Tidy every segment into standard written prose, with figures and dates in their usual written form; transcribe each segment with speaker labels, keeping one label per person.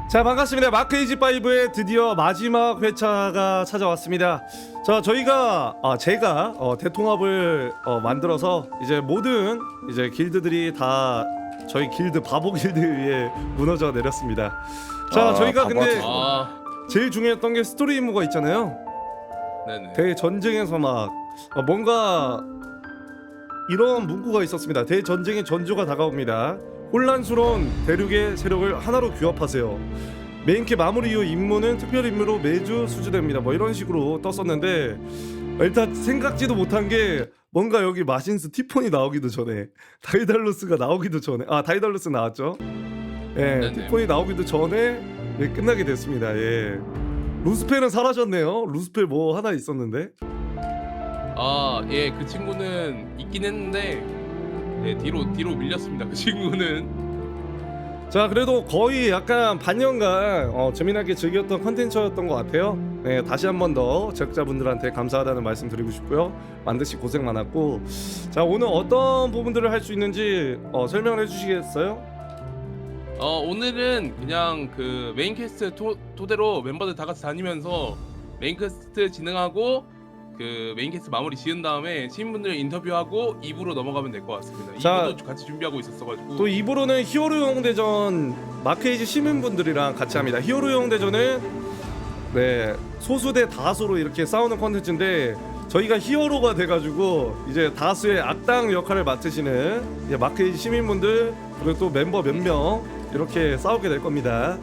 Speaker 1: 자, 반갑습니다. 마크에이지5의 드디어 마지막 회차가 찾아왔습니다. 자, 제가 대통합을 만들어서 이제 모든 이제 길드들이 다 저희 길드 바보 길드 위에 무너져 내렸습니다. 자, 저희가 근데 제일 중요했던 게 스토리 임무가 있잖아요.
Speaker 2: 네네.
Speaker 1: 대전쟁에서 막 뭔가 이런 문구가 있었습니다. 대전쟁의 전조가 다가옵니다. 혼란스러운 대륙의 세력을 하나로 규합하세요. 메인캐 마무리 이후 임무는 특별 임무로 매주 수주됩니다. 뭐 이런 식으로 떴었는데 일단 생각지도 못한 게 뭔가 여기 마신스 티폰이 나오기도 전에 다이달로스가 나오기도 전에 다이달로스 나왔죠. 예,
Speaker 2: 네네.
Speaker 1: 티폰이 나오기도 전에 끝나게 됐습니다. 예. 루스펠은 사라졌네요. 루스펠 뭐 하나 있었는데.
Speaker 2: 예, 그 친구는 있긴 했는데 뒤로 밀렸습니다. 그 친구는.
Speaker 1: 자, 그래도 거의 약간 반년간 재미나게 즐겼던 컨텐츠였던 것 같아요. 네, 다시 한 번 더 제작자분들한테 감사하다는 말씀 드리고 싶고요. 만드시 고생 많았고, 자, 오늘 어떤 부분들을 할 수 있는지 설명을 해주시겠어요?
Speaker 2: 오늘은 그냥 그 메인 퀘스트 토대로 멤버들 다 같이 다니면서 메인 퀘스트 진행하고 그 메인 퀘스트 마무리 지은 다음에 시민분들 인터뷰하고 2부로 넘어가면 될 것 같습니다.
Speaker 1: 자,
Speaker 2: 2부도 같이 준비하고 있었어가지고.
Speaker 1: 또 2부로는 히어로용 대전 마크에이지 시민분들이랑 같이 합니다. 히어로용 대전은 소수 대 다수로 이렇게 싸우는 컨텐츠인데 저희가 히어로가 돼가지고 이제 다수의 악당 역할을 맡으시는 이제 마크에이지 시민분들 그리고 또 멤버 몇 명 이렇게 싸우게 될 겁니다.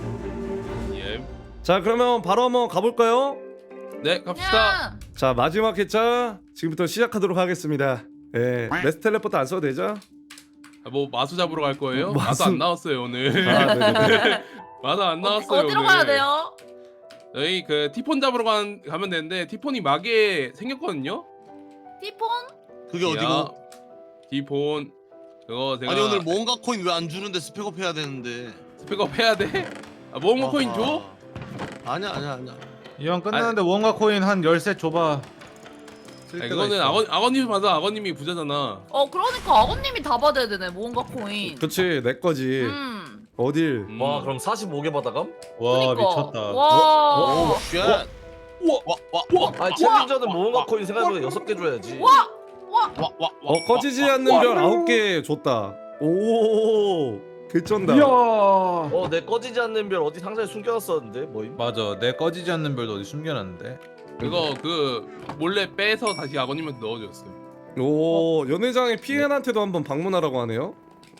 Speaker 2: 예.
Speaker 1: 자, 그러면 바로 한번 가볼까요?
Speaker 2: 네, 갑시다.
Speaker 1: 자, 마지막 회차 지금부터 시작하도록 하겠습니다. 예, 메스 텔레포트 안 써도 되죠?
Speaker 2: 뭐 마수 잡으러 갈 거예요?
Speaker 1: 마수-
Speaker 2: 마수 안 나왔어요 오늘.
Speaker 1: 네네네.
Speaker 2: 마수 안 나왔어요.
Speaker 3: 어디로
Speaker 2: 오늘.
Speaker 3: 가야 돼요?
Speaker 2: 저희 그 티폰 잡으러 가면 되는데 티폰이 막에 생겼거든요.
Speaker 3: 티폰?
Speaker 4: 그게 어디고?
Speaker 2: 티폰 그거 제가
Speaker 4: 아니 오늘 뭔가 코인 왜 안 주는데 스펙업 해야 되는데.
Speaker 2: 스펙업 해야 돼? 모험가 코인 줘?
Speaker 4: 아니야.
Speaker 5: 이왕 끝나는데 원가 코인 한 10셋 줘봐. 쓸 때가
Speaker 2: 이거는
Speaker 5: 있어.
Speaker 2: 아버님 받아. 아버님이 부자잖아.
Speaker 3: 그러니까 아버님이 다 받아야 되네 모험가 코인.
Speaker 1: 그치, 내 거지. 어딜?
Speaker 6: 와 그럼 45개 받아감?
Speaker 5: 와
Speaker 3: 그러니까.
Speaker 5: 미쳤다.
Speaker 3: 와.
Speaker 4: 오 쉣. 와.
Speaker 6: 아 챌린저는 모험가 코인 생각해보다 6개 줘야지.
Speaker 3: 와.
Speaker 1: 꺼지지 않는 별 9개 줬다. 오, 개쩐다.
Speaker 6: 내 꺼지지 않는 별 어디 상자에 숨겨놨었는데 뭐임?
Speaker 5: 맞아, 내 꺼지지 않는 별도 어디 숨겨놨는데.
Speaker 2: 그거 그 몰래 빼서 다시 아버님한테 넣어줬어요.
Speaker 1: 오, 연회장의 피엔한테도 한번 방문하라고 하네요.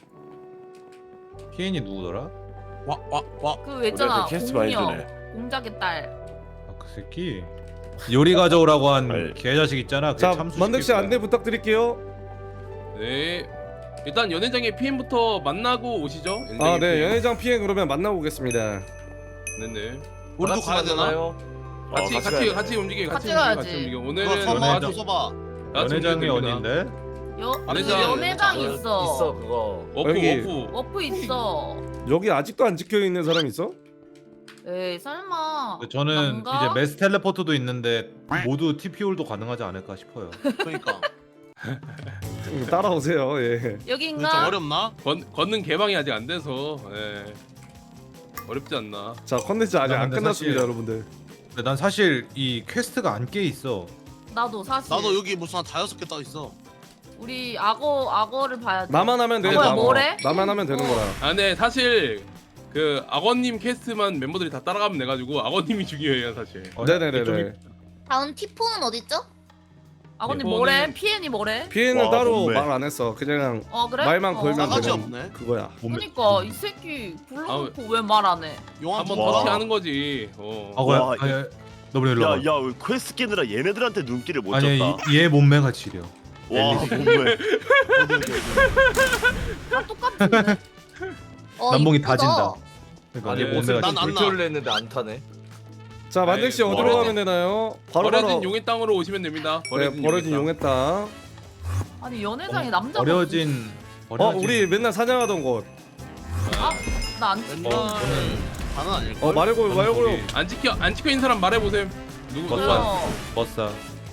Speaker 5: 피엔이 누구더라?
Speaker 3: 그 있잖아.
Speaker 7: 그 캐스트
Speaker 3: 공녀.
Speaker 7: 많이 주네.
Speaker 3: 공작의 딸.
Speaker 5: 아, 그 새끼. 요리 가져오라고 한
Speaker 7: 아이.
Speaker 5: 개자식 있잖아. 그게
Speaker 1: 자,
Speaker 5: 참수
Speaker 1: 만덕 씨
Speaker 5: 시킬 거야.
Speaker 1: 안내 부탁드릴게요.
Speaker 2: 네. 일단 연회장의 PM부터 만나고 오시죠. 연회장의
Speaker 1: 네,
Speaker 2: PM.
Speaker 1: 연회장 피엔 그러면 만나고 오겠습니다.
Speaker 2: 네네.
Speaker 4: 우리도 가야 되나?
Speaker 2: 같이 움직여.
Speaker 3: 같이 가야지.
Speaker 2: 움직여.
Speaker 4: 그거
Speaker 2: 오늘은
Speaker 4: 써봐
Speaker 2: 다
Speaker 4: 좀 써봐.
Speaker 2: 같이
Speaker 5: 연회장이
Speaker 2: 움직여도 됩니다.
Speaker 5: 어딘데?
Speaker 2: 연회장.
Speaker 3: 연회장 있어.
Speaker 6: 있어 그거.
Speaker 1: 여기.
Speaker 2: 워프.
Speaker 3: 워프 있어.
Speaker 1: 여기 아직도 안 지켜 있는 사람 있어?
Speaker 3: 에이 설마.
Speaker 5: 저는
Speaker 3: 난가?
Speaker 5: 이제 메스 텔레포트도 있는데 모두 TP올도 가능하지 않을까 싶어요.
Speaker 4: 그러니까.
Speaker 1: 따라오세요. 예.
Speaker 4: 근데 좀
Speaker 3: 여기인가?
Speaker 4: 어렵나?
Speaker 2: 걷는 개방이 아직 안 돼서 어렵지 않나.
Speaker 1: 자, 컨텐츠 아직
Speaker 5: 나
Speaker 1: 안
Speaker 5: 근데
Speaker 1: 끝났습니다,
Speaker 5: 사실-
Speaker 1: 여러분들.
Speaker 5: 근데 난 사실 이 퀘스트가 안 깨 있어.
Speaker 3: 나도 사실.
Speaker 4: 나도 여기 무슨 한 5개 떠 있어.
Speaker 3: 우리 악어를 봐야 돼.
Speaker 1: 나만 하면 돼.
Speaker 3: 뭐야,
Speaker 1: 나만.
Speaker 3: 뭐래?
Speaker 1: 나만 하면 되는 거야.
Speaker 2: 근데 사실 그 악어님 캐스트만 멤버들이 다 따라가면 돼가지고 악어님이 중요해요 사실.
Speaker 1: 네네네네.
Speaker 8: 다음 티폰은 어딨죠?
Speaker 3: 악어님
Speaker 2: 이거는-
Speaker 3: 뭐래? 피엔이 뭐래?
Speaker 1: 피엔은
Speaker 7: 와,
Speaker 1: 따로
Speaker 7: 몸매.
Speaker 1: 말 안 했어. 그냥
Speaker 3: 그래?
Speaker 1: 말만 걸면
Speaker 4: 싸가지
Speaker 1: 되는
Speaker 4: 없네.
Speaker 1: 그거야.
Speaker 3: 그러니까 이 새끼 불러놓고 왜 말 안 해?
Speaker 4: 용암
Speaker 2: 한번
Speaker 7: 와.
Speaker 2: 더티 하는 거지.
Speaker 5: 아고야.
Speaker 7: 와,
Speaker 5: 아니, 너블 일로 와봐.
Speaker 7: 야야 퀘스트 깨느라 얘네들한테 눈길을 못
Speaker 5: 아니
Speaker 7: 줬다.
Speaker 5: 얘 몸매가 지려.
Speaker 7: 와 몸매.
Speaker 3: 다 똑같은데.
Speaker 5: 남봉이
Speaker 8: 이쁘다.
Speaker 5: 다진다. 그러니까
Speaker 6: 아니
Speaker 5: 얘
Speaker 6: 무슨
Speaker 5: 몸매가
Speaker 4: 난
Speaker 5: 지려.
Speaker 4: 안
Speaker 6: 불티올을 했는데 안 타네.
Speaker 1: 자, 만덕 씨
Speaker 2: 아이,
Speaker 1: 어디로
Speaker 2: 버려진-
Speaker 1: 가면 되나요? 바로
Speaker 2: 버려진 용의 땅으로 오시면 됩니다.
Speaker 1: 버려진 용의 땅.
Speaker 3: 아니 연회장에 남자가
Speaker 5: 버려진.
Speaker 1: 우리 맨날 사냥하던 곳.
Speaker 3: 나안
Speaker 4: 맨날 다는 아닐 걸.
Speaker 1: 말고요.
Speaker 2: 안 찍혀 있는 사람 말해보세요. 누구
Speaker 3: 저요.
Speaker 5: 버싸.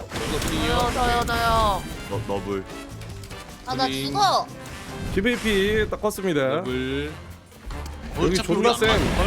Speaker 3: 저요.
Speaker 7: 너블.
Speaker 8: 아 나
Speaker 2: 우리-
Speaker 8: 죽어.
Speaker 1: PVP 딱 껐습니다.
Speaker 2: 더블.
Speaker 1: 여기
Speaker 4: 어차피
Speaker 1: 존나
Speaker 4: 우리 안
Speaker 1: 쌤.
Speaker 4: 맞을걸?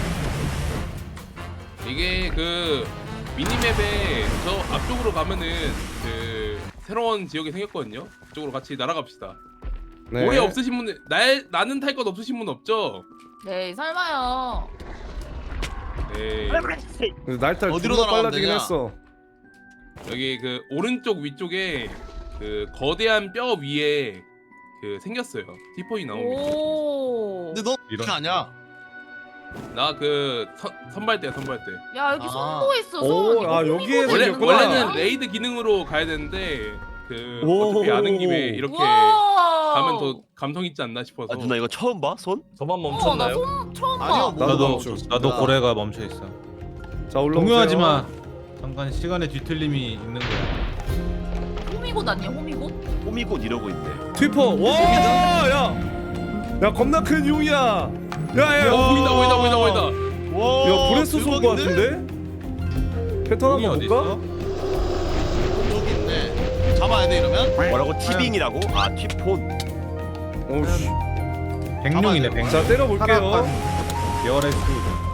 Speaker 2: 이게 그 미니맵에 저 앞쪽으로 가면은 그 새로운 지역이 생겼거든요. 그쪽으로 같이 날아갑시다.
Speaker 1: 네.
Speaker 2: 오래 없으신 분들 나는 탈 것 없으신 분 없죠?
Speaker 3: 네 설마요.
Speaker 2: 네.
Speaker 1: 날탈
Speaker 4: 어디로
Speaker 1: 존나
Speaker 4: 날아가면
Speaker 1: 빨라지긴
Speaker 4: 되냐?
Speaker 1: 했어.
Speaker 2: 여기 그 오른쪽 위쪽에 그 거대한 뼈 위에 그 생겼어요. 티폰이 나옵니다.
Speaker 3: 오.
Speaker 4: 근데 너 이렇게 아냐?
Speaker 2: 나 그 선발대야 선발대.
Speaker 3: 야 여기
Speaker 4: 아.
Speaker 3: 손도 있어.
Speaker 1: 오,
Speaker 3: 손. 이거
Speaker 1: 아, 여기에
Speaker 3: 호미곶
Speaker 2: 원래
Speaker 3: 있는
Speaker 2: 원래는
Speaker 3: 거야?
Speaker 2: 레이드 기능으로 가야 되는데 그
Speaker 1: 오.
Speaker 2: 어차피 아는 김에 이렇게
Speaker 3: 우와.
Speaker 2: 가면 더 감성 있지 않나 싶어서.
Speaker 7: 아 누나 이거 처음 봐? 손?
Speaker 6: 저만
Speaker 3: 나
Speaker 6: 멈췄나요?
Speaker 3: 손 처음 봐.
Speaker 4: 아니요, 뭐
Speaker 5: 나도
Speaker 1: 멈춰.
Speaker 5: 나도 고래가 멈춰 있어.
Speaker 1: 자 올라오세요.
Speaker 5: 동요하지 마. 잠깐 시간의 뒤틀림이 있는 거야.
Speaker 3: 호미곶 아니야 호미곶?
Speaker 7: 호미곶 이러고 있네.
Speaker 1: 트위퍼. 와, 야 겁나 큰 용이야. 야야.
Speaker 2: 오 보인다.
Speaker 4: 와,
Speaker 1: 야 브레스 쏜거
Speaker 4: 대박인데?
Speaker 1: 같은데? 패턴
Speaker 5: 용이
Speaker 1: 한번
Speaker 5: 어디
Speaker 1: 볼까?
Speaker 5: 있어?
Speaker 4: 저기 있네. 잡아야 돼 이러면?
Speaker 7: 뭐라고? 티빙이라고? 아 티폰.
Speaker 1: 오씨.
Speaker 5: 백룡이네 백룡.
Speaker 1: 자 때려볼게요.
Speaker 5: 계열의 수.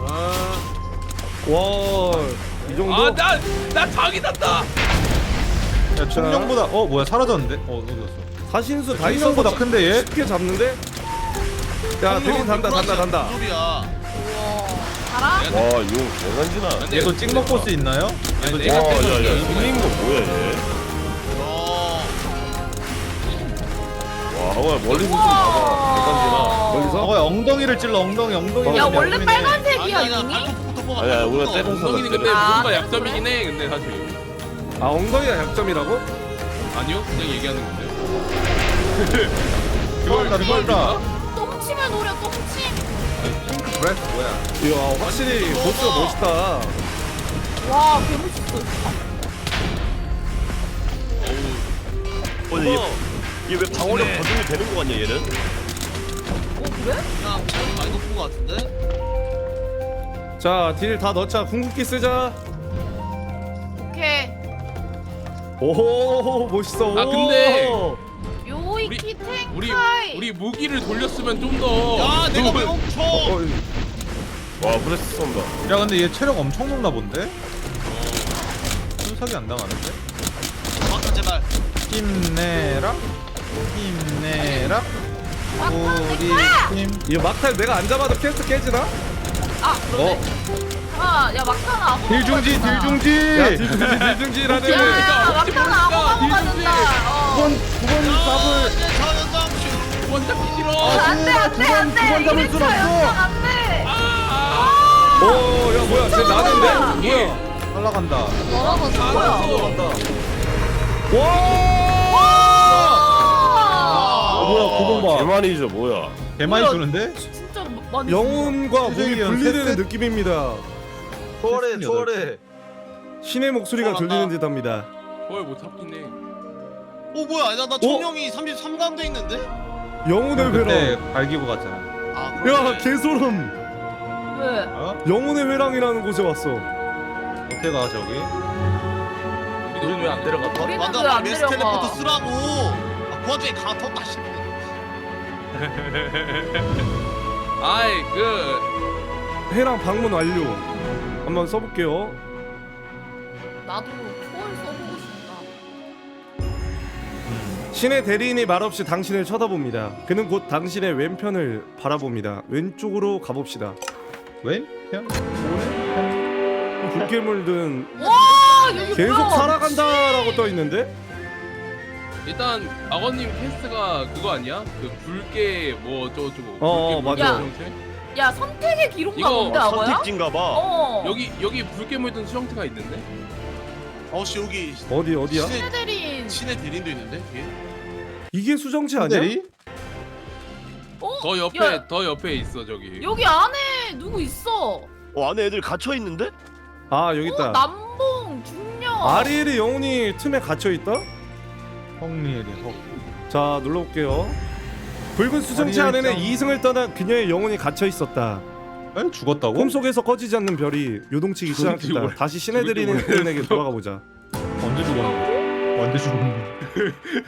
Speaker 1: 와, 이 정도.
Speaker 2: 아나 장이 났다.
Speaker 5: 야 청룡보다 뭐야 사라졌는데? 어디 갔어?
Speaker 1: 사신수 다 있어서
Speaker 5: 청룡보다 큰데 얘?
Speaker 1: 쉽게 잡는데? 야 대신 단다.
Speaker 4: 무슨 소리야?
Speaker 3: 알아?
Speaker 7: 와용 대단지나.
Speaker 2: 근데
Speaker 5: 얘도 찍먹 보스 있나요?
Speaker 2: 아니,
Speaker 5: 얘도
Speaker 2: 내가
Speaker 5: 찍먹 보스
Speaker 2: 때렸어.
Speaker 5: 있나요?
Speaker 7: 생긴 거 뭐야 얘? 와 멀리서 좀 봐봐. 대단지나.
Speaker 1: 멀리서?
Speaker 5: 엉덩이를 찔러 엉덩이.
Speaker 3: 야 원래
Speaker 5: 엉덩이네.
Speaker 3: 빨간색이야
Speaker 4: 아니 나
Speaker 3: 눈이?
Speaker 4: 발톱부터 뽑아.
Speaker 7: 아니야 우리가
Speaker 4: 발톱부터.
Speaker 7: 때려서
Speaker 2: 엉덩이는 근데
Speaker 3: 아,
Speaker 2: 뭔가
Speaker 3: 그래?
Speaker 2: 약점이긴 해. 근데 사실
Speaker 1: 아 엉덩이가 약점이라고?
Speaker 2: 아니요 그냥 얘기하는 건데.
Speaker 5: 그걸다.
Speaker 3: 똥침을 노려 똥침.
Speaker 5: 브레스 뭐야?
Speaker 1: 이야 확실히 보스가 멋있다.
Speaker 3: 와 개멋있어.
Speaker 7: 근데 얘 왜 방어력 버전이 되는 거 같냐 얘는?
Speaker 3: 그래?
Speaker 4: 그냥 체력이 많이 높은 거 같은데?
Speaker 1: 자 딜 다 넣자. 궁극기 쓰자.
Speaker 3: 오케이.
Speaker 1: 오 멋있어.
Speaker 2: 아, 근데
Speaker 3: 요이키
Speaker 2: 우리
Speaker 3: 탱카이.
Speaker 2: 우리 무기를 돌렸으면 좀 더.
Speaker 4: 야 내가 왜 멈춰?
Speaker 7: 와 브레스 쏜다.
Speaker 5: 야 근데 얘 체력 엄청 높나 본데? 순삭이 안 당하는데?
Speaker 4: 막타 제발.
Speaker 5: 힘내라. 우리 팀.
Speaker 1: 이 막탈 내가 안 잡아도 캐스트 깨지나?
Speaker 3: 아 그러네. 야 막타는 아무.
Speaker 5: 딜중지
Speaker 1: 야
Speaker 5: 딜중지.
Speaker 1: 딜중지라는.
Speaker 3: 야 막타는 아무 맞는다.
Speaker 1: 두번 답을.
Speaker 4: 이제 저 연장추.
Speaker 2: 원잡기 싫어.
Speaker 3: 안돼.
Speaker 1: 잡을 순 없어.
Speaker 3: 안돼.
Speaker 1: 오야 뭐야 쟤 나는데? 뭐야?
Speaker 5: 올라간다.
Speaker 3: 뭐라고 뭐야?
Speaker 1: 뭐야 그거 봐.
Speaker 7: 개만이죠 뭐야?
Speaker 5: 개 많이
Speaker 3: 뭐야?
Speaker 5: 주는데?
Speaker 3: 진짜 많이.
Speaker 1: 영혼과 몸이
Speaker 5: 수정이
Speaker 1: 분리되는
Speaker 5: 셋.
Speaker 1: 느낌입니다.
Speaker 6: 초월해.
Speaker 1: 신의 목소리가
Speaker 4: 초월한다.
Speaker 1: 들리는 듯합니다.
Speaker 2: 그걸 못 잡긴 해.
Speaker 4: 뭐야? 나 청룡이 33강 돼 있는데?
Speaker 1: 영혼의
Speaker 5: 그때
Speaker 1: 회랑.
Speaker 5: 갈기고 갔잖아.
Speaker 4: 아
Speaker 1: 야
Speaker 4: 그러네.
Speaker 1: 개소름.
Speaker 3: 왜?
Speaker 5: 어?
Speaker 1: 영혼의 회랑이라는 곳에 왔어.
Speaker 5: 어떻게 가 저기?
Speaker 6: 우린 왜 안 데려가?
Speaker 3: 우리는
Speaker 4: 맞아
Speaker 3: 왜안
Speaker 4: 메스
Speaker 3: 내려가?
Speaker 4: 텔레포트 쓰라고. 그 와중에 강타 다시.
Speaker 2: 아이 그
Speaker 1: 회랑 방문 완료. 한번 써볼게요.
Speaker 3: 나도 초월 써보고 싶다.
Speaker 1: 신의 대리인이 말없이 당신을 쳐다봅니다. 그는 곧 당신의 왼편을 바라봅니다. 왼쪽으로 가봅시다.
Speaker 5: 왼? 편?
Speaker 1: 붉게 물든
Speaker 3: 와 여기
Speaker 1: 계속
Speaker 3: 뭐야?
Speaker 1: 살아간다라고 떠 있는데?
Speaker 2: 일단 악어님 캐스트가 그거 아니야? 그 붉게 뭐 어쩌고저쩌고.
Speaker 1: 어,
Speaker 2: 붉게
Speaker 1: 맞아.
Speaker 2: 물든 수정체?
Speaker 3: 야 선택의 기록가
Speaker 2: 이거
Speaker 3: 뭔데 아거야?
Speaker 7: 선택지인가 봐.
Speaker 3: 어.
Speaker 2: 여기 붉게 물든 수정체가 있는데?
Speaker 4: 씨 여기
Speaker 1: 어디야?
Speaker 3: 신의 대리인.
Speaker 4: 신의 대리인도 있는데 뒤에.
Speaker 1: 이게 수정체 아니야?
Speaker 5: 대리?
Speaker 3: 어?
Speaker 2: 더 옆에
Speaker 3: 야,
Speaker 2: 더 옆에 있어 저기.
Speaker 3: 여기 안에 누구 있어?
Speaker 7: 안에 애들 갇혀 있는데?
Speaker 1: 아 여기 있다.
Speaker 3: 남봉 중령.
Speaker 1: 아리엘의 영혼이 틈에 갇혀 있다?
Speaker 5: 헝리엘이
Speaker 1: 자 눌러볼게요. 붉은 수정체
Speaker 5: 아리엘
Speaker 1: 안에는
Speaker 5: 짱.
Speaker 1: 이승을 떠난 그녀의 영혼이 갇혀 있었다.
Speaker 5: 에? 죽었다고?
Speaker 1: 꿈속에서 꺼지지 않는 별이 요동치기 시작했다.
Speaker 2: 뭐야?
Speaker 1: 다시 신의 대리인에게 돌아가 보자.
Speaker 5: 언제 죽었는데? 언제 죽었는데?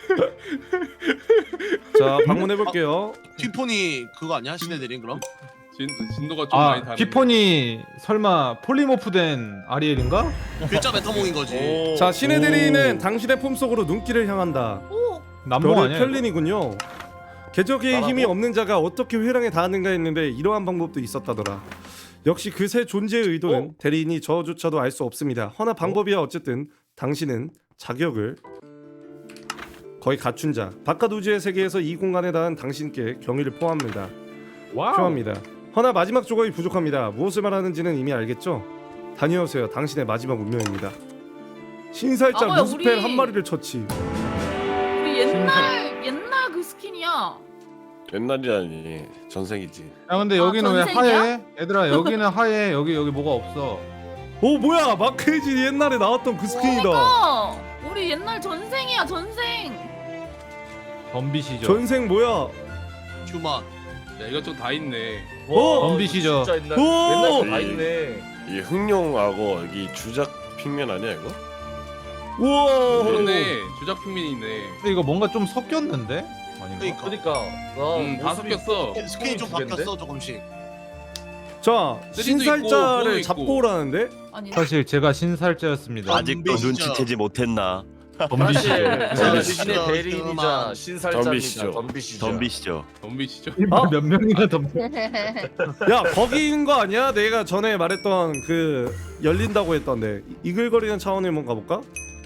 Speaker 1: 자 방문해 볼게요.
Speaker 4: 튀폰이 그거 아니야? 신의 대리인 그럼?
Speaker 2: 진도가 좀 많이 다르네.
Speaker 5: 피폰이 설마 폴리모프된 아리엘인가?
Speaker 4: 글자 메타몽인 거지.
Speaker 1: 자 신의 대리인은 당신의 품속으로 눈길을 향한다.
Speaker 3: 오.
Speaker 5: 남봉
Speaker 1: 별의
Speaker 5: 아니야?
Speaker 1: 편린이군요. 궤적의
Speaker 6: 나라고?
Speaker 1: 힘이 없는 자가 어떻게 회랑에 닿았는가 했는데 이러한 방법도 있었다더라. 역시 그 새 존재의 의도는 대리인이 저조차도 알 수 없습니다. 허나 방법이야 어쨌든 당신은 자격을 거의 갖춘 자. 바깥 우주의 세계에서 이 공간에 닿은 당신께 경의를 포함합니다. 표합니다. 허나 마지막 조각이 부족합니다. 무엇을 말하는지는 이미 알겠죠? 다녀오세요. 당신의 마지막 운명입니다. 신살자
Speaker 3: 아, 뭐야,
Speaker 1: 루스펠
Speaker 3: 우리-
Speaker 1: 한 마리를 처치.
Speaker 3: 우리 옛날 그 스킨이야.
Speaker 7: 옛날이라니 전생이지.
Speaker 5: 야 근데 여기는 왜
Speaker 3: 전생이야?
Speaker 5: 하얘? 얘들아 여기는 하얘. 여기 뭐가 없어.
Speaker 1: 오 뭐야 마크헤지 옛날에 나왔던 그 스킨이다.
Speaker 3: 그러니까 우리 옛날 전생이야 전생.
Speaker 5: 덤비시죠.
Speaker 1: 전생 뭐야?
Speaker 4: 휴만.
Speaker 2: 야 이것저것 다 있네.
Speaker 1: 어?
Speaker 5: 덤비시죠.
Speaker 6: 진짜 옛날
Speaker 1: 오!
Speaker 6: 다 있네.
Speaker 7: 이 흑룡하고 여기 주작 핑면 아니야 이거?
Speaker 1: 우와.
Speaker 2: 그러네. 주작 핑민이네.
Speaker 5: 근데 이거 뭔가 좀 섞였는데? 아닌가?
Speaker 4: 그러니까.
Speaker 6: 그러니까
Speaker 2: 다 섞였어.
Speaker 4: 스킨이 좀
Speaker 6: 두 개인데?
Speaker 4: 바뀌었어 조금씩.
Speaker 1: 자
Speaker 2: 쓰리도
Speaker 1: 신살자를
Speaker 2: 있고,
Speaker 1: 잡고
Speaker 2: 있고.
Speaker 1: 오라는데?
Speaker 3: 아니.
Speaker 5: 사실 제가 신살자였습니다.
Speaker 4: 아직도 눈치채지
Speaker 7: 못했나?
Speaker 5: 덤비시죠.
Speaker 6: 사실
Speaker 4: 덤비시죠.
Speaker 6: 신의 대리인이자 신살자입니다.
Speaker 7: 덤비시죠.
Speaker 6: 덤비시죠.
Speaker 2: 덤비시죠.
Speaker 5: 몇 명이나 덤비?
Speaker 1: 야 거기인 거 아니야? 내가 전에 말했던 그 열린다고 했던데 이글거리는 차원을 한번 가볼까?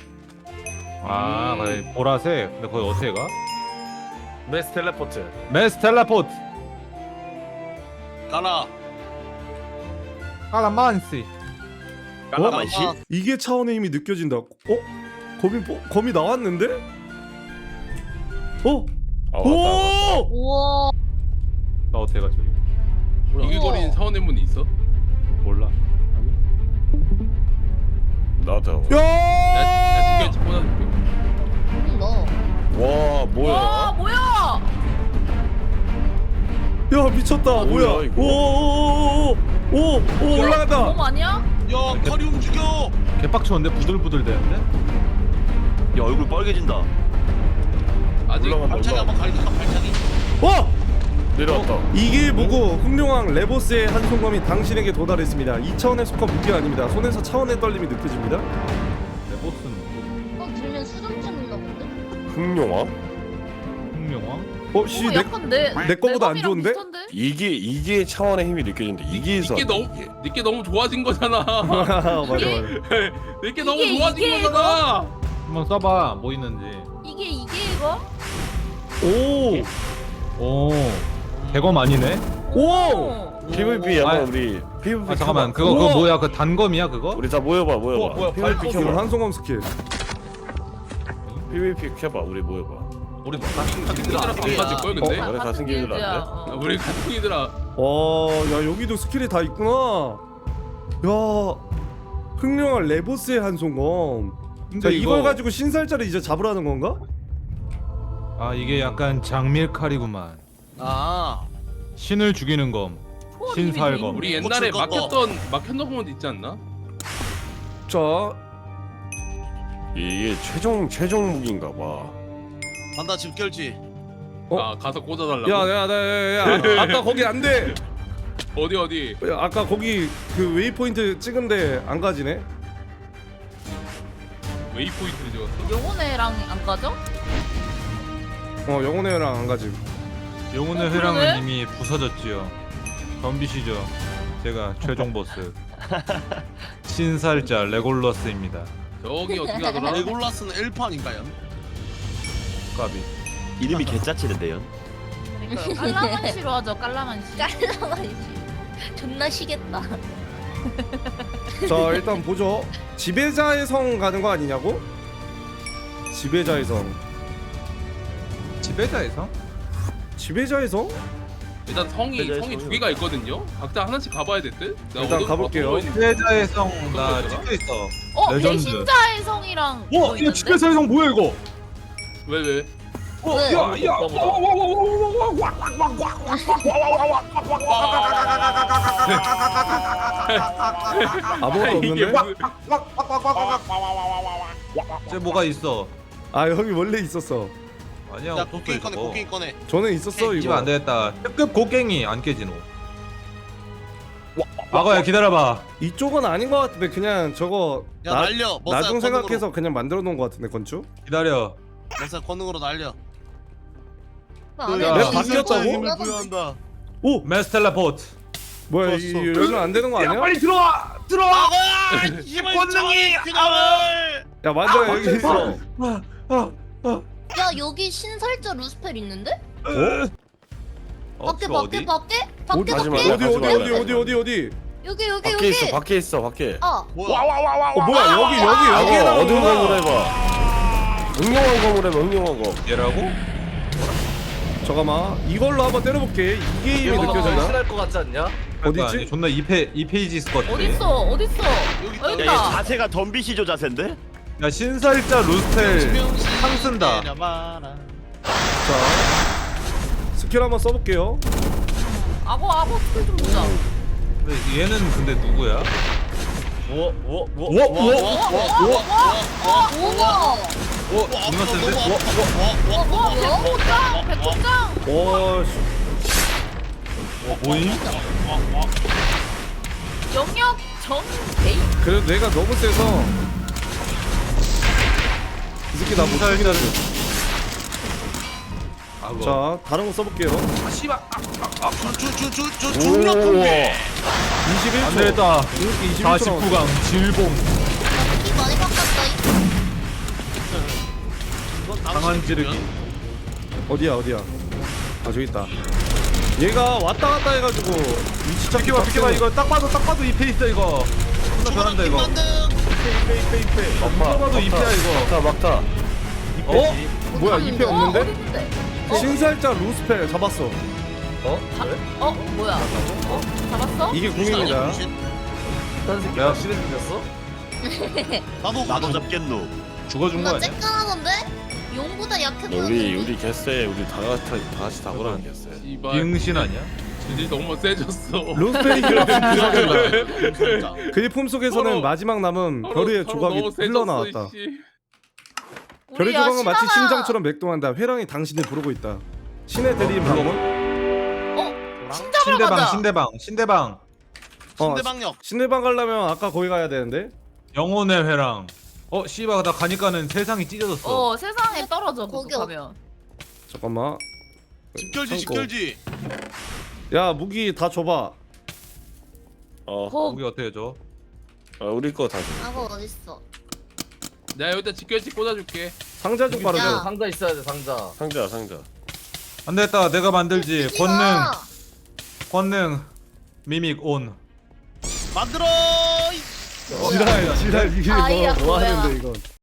Speaker 5: 아 그래 보라색. 근데 거기 어떻게 가?
Speaker 6: 메스 텔레포트.
Speaker 5: 메스 텔레포트.
Speaker 4: 가라.
Speaker 5: 까라만시.
Speaker 7: 까라만시?
Speaker 1: 이게 차원의 힘이 느껴진다. 검이 나왔는데? 오!
Speaker 3: 우와.
Speaker 5: 나 어떻게 가 저기?
Speaker 2: 이글거리는 차원의 문이 있어?
Speaker 5: 몰라.
Speaker 7: 나도.
Speaker 2: 야 직결지 꽂아줄게.
Speaker 8: 너.
Speaker 7: 와 뭐야?
Speaker 3: 와 뭐야?
Speaker 1: 야 미쳤다. 뭐야?
Speaker 7: 이거?
Speaker 1: 오 올라간다.
Speaker 3: 몸 아니야?
Speaker 4: 야 칼이 움직여.
Speaker 5: 개빡쳤는데 부들부들 되는데?
Speaker 7: 야 얼굴 빨개진다.
Speaker 2: 아직
Speaker 7: 올라간다.
Speaker 4: 발차기 한번 갈까 발차기.
Speaker 7: 내려왔다.
Speaker 1: 이길 보고 흑룡왕 레보스의 한 손검이 당신에게 도달했습니다. 2차원에 속한 무기가 아닙니다. 손에서 차원의 떨림이 느껴집니다.
Speaker 5: 레보스는
Speaker 8: 들면 수정 찍는가 본데?
Speaker 7: 흑룡아?
Speaker 5: 흑룡왕?
Speaker 1: 씨,
Speaker 3: 오, 약간
Speaker 1: 내 거보다 안
Speaker 3: 내
Speaker 1: 좋은데?
Speaker 3: 비슷한데?
Speaker 7: 이게 차원의 힘이 느껴진다. 이게에서
Speaker 2: 니께 너무 좋아진 거잖아.
Speaker 1: 맞아.
Speaker 2: 니께 너무
Speaker 3: 이게
Speaker 2: 좋아진 거잖아.
Speaker 5: 한번 써봐 뭐 있는지.
Speaker 3: 이게 이거?
Speaker 1: 오!
Speaker 5: 오 대검 아니네?
Speaker 1: 오!
Speaker 7: PVP
Speaker 5: 아,
Speaker 7: 한번 우리 PVP
Speaker 5: 아 잠깐만
Speaker 7: 켜봐.
Speaker 5: 그거 뭐야 그 단검이야 그거?
Speaker 7: 우리 다 모여봐.
Speaker 6: 뭐야,
Speaker 1: PVP 켜봐. 한송검 스킬.
Speaker 7: PVP 켜봐. 우리 모여봐.
Speaker 6: 우리 뭐
Speaker 2: 가슴이들아 안 맞을 걸 근데?
Speaker 7: 그래, 가슴 길들 안 돼?
Speaker 2: 아, 우리 가슴이들아.
Speaker 1: 야 여기도 스킬이 다 있구나. 야 흑룡왕 레보스의 한 손검.
Speaker 5: 근데
Speaker 1: 자 이걸 가지고 신살자를 이제 잡으라는 건가?
Speaker 5: 아 이게 약간 장밀칼이구만.
Speaker 4: 아.
Speaker 5: 신을 죽이는 검. 신살검.
Speaker 2: 우리 옛날에
Speaker 4: 뭐 줄 거.
Speaker 2: 막혔던 건 있지 않나?
Speaker 1: 자
Speaker 7: 이게 최종 무기인가 봐.
Speaker 4: 간다 집결지.
Speaker 1: 어?
Speaker 2: 가서 꽂아달라고.
Speaker 1: 야 아까 거기 안 돼.
Speaker 2: 어디?
Speaker 1: 야, 아까 거기 그 웨이포인트 찍은데 안 가지네.
Speaker 2: 웨이포인트를 찍었어?
Speaker 3: 영혼애랑 안 가죠?
Speaker 1: 영혼의 회랑 안 가지.
Speaker 5: 영혼의
Speaker 3: 어,
Speaker 5: 회랑은
Speaker 3: 그러네?
Speaker 5: 이미 부서졌지요. 덤비시죠. 제가 최종 보스. 신살자 레골러스입니다.
Speaker 2: 저기 어떻게 하더라?
Speaker 4: 레골라스는 엘판인가요?
Speaker 5: 까비.
Speaker 7: 이름이 개짜치는데요.
Speaker 3: 그러니까요. 깔라만시로 하죠. 깔라만시.
Speaker 8: 깔라만시. 존나 시겠다.
Speaker 1: 자 일단 보죠. 지배자의 성 가는 거 아니냐고? 지배자의 성.
Speaker 5: 지배자에서?
Speaker 1: 지배자의 성?
Speaker 2: 일단 성이 두 개가 있거든요. 각자 하나씩 가봐야 될 듯. 나
Speaker 1: 일단
Speaker 2: 어디-
Speaker 1: 가볼게요.
Speaker 2: 어디 있는지.
Speaker 5: 지배자의 성 나
Speaker 2: 어떤 거더라?
Speaker 5: 찍혀 있어. 레전드.
Speaker 3: 배신자의 성이랑 뭐
Speaker 5: 이거 지배자의 성 뭐야 이거?
Speaker 2: 왜?
Speaker 8: 왜?
Speaker 1: 아무것도
Speaker 2: 이게
Speaker 1: 없는데?
Speaker 2: 무슨-
Speaker 5: 쟤 뭐가 있어?
Speaker 1: 아 여기 원래 있었어.
Speaker 5: 아니야
Speaker 4: 야
Speaker 5: 없었어
Speaker 4: 곡괭이 꺼내
Speaker 5: 이거.
Speaker 4: 곡괭이 꺼내.
Speaker 1: 저는 있었어
Speaker 5: 이거
Speaker 1: 이거.
Speaker 5: 안 되겠다. 특급 곡괭이 안 깨지노. 악어야 기다려봐.
Speaker 1: 이쪽은 아닌 것 같은데 그냥 저거
Speaker 4: 야 날려.
Speaker 1: 나중 생각해서 그냥 만들어 놓은 것 같은데 건축?
Speaker 5: 기다려.
Speaker 4: 머싸 권능으로 날려.
Speaker 8: 안에
Speaker 5: 야,
Speaker 8: 뭐
Speaker 1: 왜 바뀌었다고?
Speaker 8: 있는 거
Speaker 4: 힘을
Speaker 8: 같던데?
Speaker 4: 부여한다.
Speaker 1: 오!
Speaker 5: 메스 텔레포트.
Speaker 1: 뭐야 이 열면 안 되는 거 아니야?
Speaker 5: 들어와. 들어와.
Speaker 4: 악어야! 힘을 권능이 균형을.
Speaker 1: 야 만들어 여기 있어.
Speaker 8: 야 여기 신살자 루스펠 있는데?
Speaker 1: 어?
Speaker 8: 밖에 밖에 밖에? 밖에
Speaker 7: 하지
Speaker 8: 밖에?
Speaker 7: 말라, 하지 말라.
Speaker 1: 어디?
Speaker 8: 여기
Speaker 7: 밖에
Speaker 8: 여기.
Speaker 7: 있어 밖에 있어 밖에.
Speaker 8: 아
Speaker 4: 뭐야?
Speaker 1: 어 뭐야 여기
Speaker 7: 악어 어두운
Speaker 1: 나오는구나.
Speaker 7: 검을 해봐. 응용한 검을 해봐 응용한 검.
Speaker 5: 얘라고?
Speaker 1: 잠깐만 이걸로 한번 때려볼게. 이게 힘이
Speaker 6: 이거
Speaker 1: 느껴진다.
Speaker 6: 확실할 것 같지 않냐?
Speaker 1: 어디
Speaker 5: 아니,
Speaker 1: 있지?
Speaker 5: 존나 2페이지 있을 것 같아.
Speaker 3: 어딨어? 어딨어?
Speaker 4: 여기 있다.
Speaker 3: 여기
Speaker 9: 야, 얘
Speaker 3: 있다.
Speaker 9: 자세가 덤비시조 자세인데?
Speaker 5: 야 신살자 루스텔 상
Speaker 4: 네
Speaker 5: 쓴다.
Speaker 4: 내려봐라.
Speaker 1: 자 스킬 한번 써볼게요.
Speaker 3: 악어 스킬 좀 보자.
Speaker 5: 근데 얘는 근데 누구야?
Speaker 6: 뭐?
Speaker 8: 우와.
Speaker 5: 존나 센데?
Speaker 3: 백호짱! 백호짱!
Speaker 1: 오 씨.
Speaker 5: 뭐임?
Speaker 3: 영역 정베이.
Speaker 1: 그래도 내가 너무 세서 이 새끼 나못 살긴 하지.
Speaker 5: 악어.
Speaker 1: 자 다른 거 써볼게요.
Speaker 4: 저 중력 공개.
Speaker 1: 21초.
Speaker 5: 안 되겠다.
Speaker 1: 이렇게 21초
Speaker 5: 49강 질봉
Speaker 8: 이 많이 바꿨다.
Speaker 5: 강한 찌르기.
Speaker 1: 어디야? 아 저기 있다. 얘가 왔다 갔다 해가지고 위치 찾기
Speaker 5: 비켜봐 이거 딱 봐도 2페이지다 이거. 존나 잘한다 이거. 누가 봐도 2페야 이거.
Speaker 7: 막타.
Speaker 1: 어? 뭐야 2패
Speaker 3: 어디
Speaker 1: 없는데?
Speaker 3: 있는데?
Speaker 1: 신살자 루스펠 잡았어.
Speaker 3: 뭐야? 잡았어?
Speaker 1: 이게 궁입니다.
Speaker 6: 딴 새끼
Speaker 5: 야.
Speaker 6: 확실히 생겼어?
Speaker 9: 나도 잡겠노.
Speaker 5: 죽어준 거
Speaker 8: 나
Speaker 5: 아니야?
Speaker 8: 째깔하던데? 용보다 약해
Speaker 7: 우리
Speaker 8: 보였는데?
Speaker 7: 개쎄 우리 다 같이 다 보라는 개쎄.
Speaker 2: 이발
Speaker 5: 비응신 아니야?
Speaker 2: 질질 너무 세졌어.
Speaker 1: 루스펠이 그렇게
Speaker 4: 진짜.
Speaker 1: 그의 품속에서는
Speaker 2: 서로-
Speaker 1: 마지막 남은 별의 조각이
Speaker 2: 너무 세졌어,
Speaker 1: 흘러나왔다.
Speaker 2: 이씨.
Speaker 1: 별의
Speaker 3: 우리야,
Speaker 1: 조각은 마치
Speaker 3: 신하가-
Speaker 1: 심장처럼 맥동한다. 회랑이 당신을 부르고 있다. 신의 대리인 방문.
Speaker 3: 신잡으러 가자.
Speaker 5: 신대방
Speaker 4: 신대방역.
Speaker 1: 신내방 가려면 아까 거기 가야 되는데.
Speaker 5: 영혼의 회랑. 씨발 나 가니까는 세상이 찢어졌어.
Speaker 3: 세상에 떨어져
Speaker 8: 거기
Speaker 3: 그거 가면.
Speaker 1: 잠깐만.
Speaker 4: 집결지
Speaker 1: 참고.
Speaker 4: 집결지.
Speaker 1: 야 무기 다 줘봐.
Speaker 5: 우리 어떻게 해줘?
Speaker 7: 우리 거 다 줘.
Speaker 8: 악어 어딨어?
Speaker 2: 내가 여기다 직결지 꽂아줄게.
Speaker 1: 상자 좀
Speaker 8: 야.
Speaker 1: 바르자.
Speaker 6: 상자 있어야 돼 상자.
Speaker 7: 상자.
Speaker 5: 안 되겠다 내가 만들지.
Speaker 8: 쓰지 마.
Speaker 5: 권능 미믹 온.
Speaker 4: 만들어.
Speaker 1: 지랄 이게
Speaker 8: 아이야,
Speaker 1: 뭐
Speaker 8: 뭐야.
Speaker 1: 하는데 이건.